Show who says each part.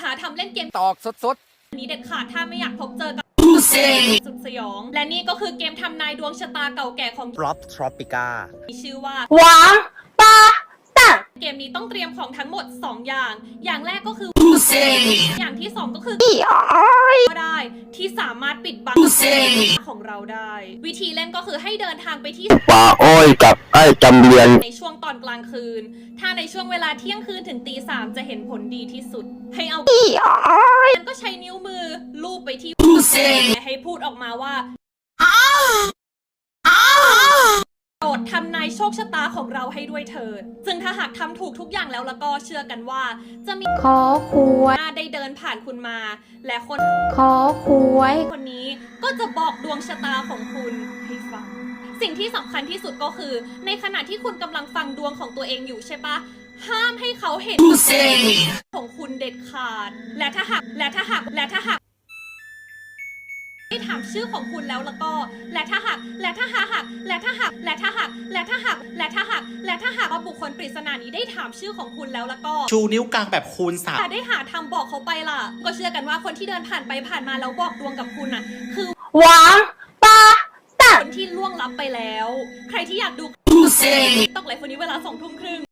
Speaker 1: หาทำเล่นเกม
Speaker 2: ตอกสด
Speaker 1: นี้เด็ดขาดถ้าไม่อยากพบเจอกับสุดสยองและนี่ก็คือเกมทำนายดวงชะตาเก่าแก่ของ
Speaker 2: Drop Tropica
Speaker 1: มีชื่อว่า
Speaker 3: 王八蛋，
Speaker 1: เกมนี้ต้องเตรียมของทั้งหมด2อย่างแรกก็คืออย่างที่2ก็คือก็ได้ที่สามารถปิดบังของเราได้ วิธีเล่นก็คือให้เดินทางไปที่
Speaker 4: ป่าอ้อยกับไอ้จำเรียน
Speaker 1: ในช่วงตอนกลางคืนถ้าในช่วงเวลาเที่ยงคืนถึงตี3จะเห็นผลดีที่สุดให้เอามันก็ใช้นิ้วมือลูบไปที่ให้พูดออกมาว่าโปรดทำนายโชคชะตาของเราให้ด้วยเถิดซึ่งถ้าหากทำถูกทุกอย่างแล้วก็เชื่อกันว่าจะมี
Speaker 3: ขอควย
Speaker 1: ได้เดินผ่านคุณมาและคน
Speaker 3: ขอควย
Speaker 1: คนนี้ก็จะบอกดวงชะตาของคุณให้ฟังสิ่งที่สำคัญที่สุดก็คือในขณะที่คุณกำลังฟังดวงของตัวเองอยู่ใช่ปะห้ามให้เขาเห็นของคุณเด็ดขาดและถ้าหากได้ถามชื่อของคุณแล้วก็และถ้าหากว่าบุคคลปริศนานี้ได้ถามชื่อของคุณแล้วก็
Speaker 5: ชูนิ้วกลางแบบคูณ3
Speaker 1: ถ้าได้หาทำบอกเขาไปล่ะก็เชื่อกันว่าคนที่เดินผ่านไปผ่านมาแล้วบอกดวงกับคุณน่ะคือ
Speaker 3: 王八蛋，
Speaker 1: คนที่ล่วงลับไปแล้วใครที่อยากดูต้องไลฟ์วันนี้เวลา20:30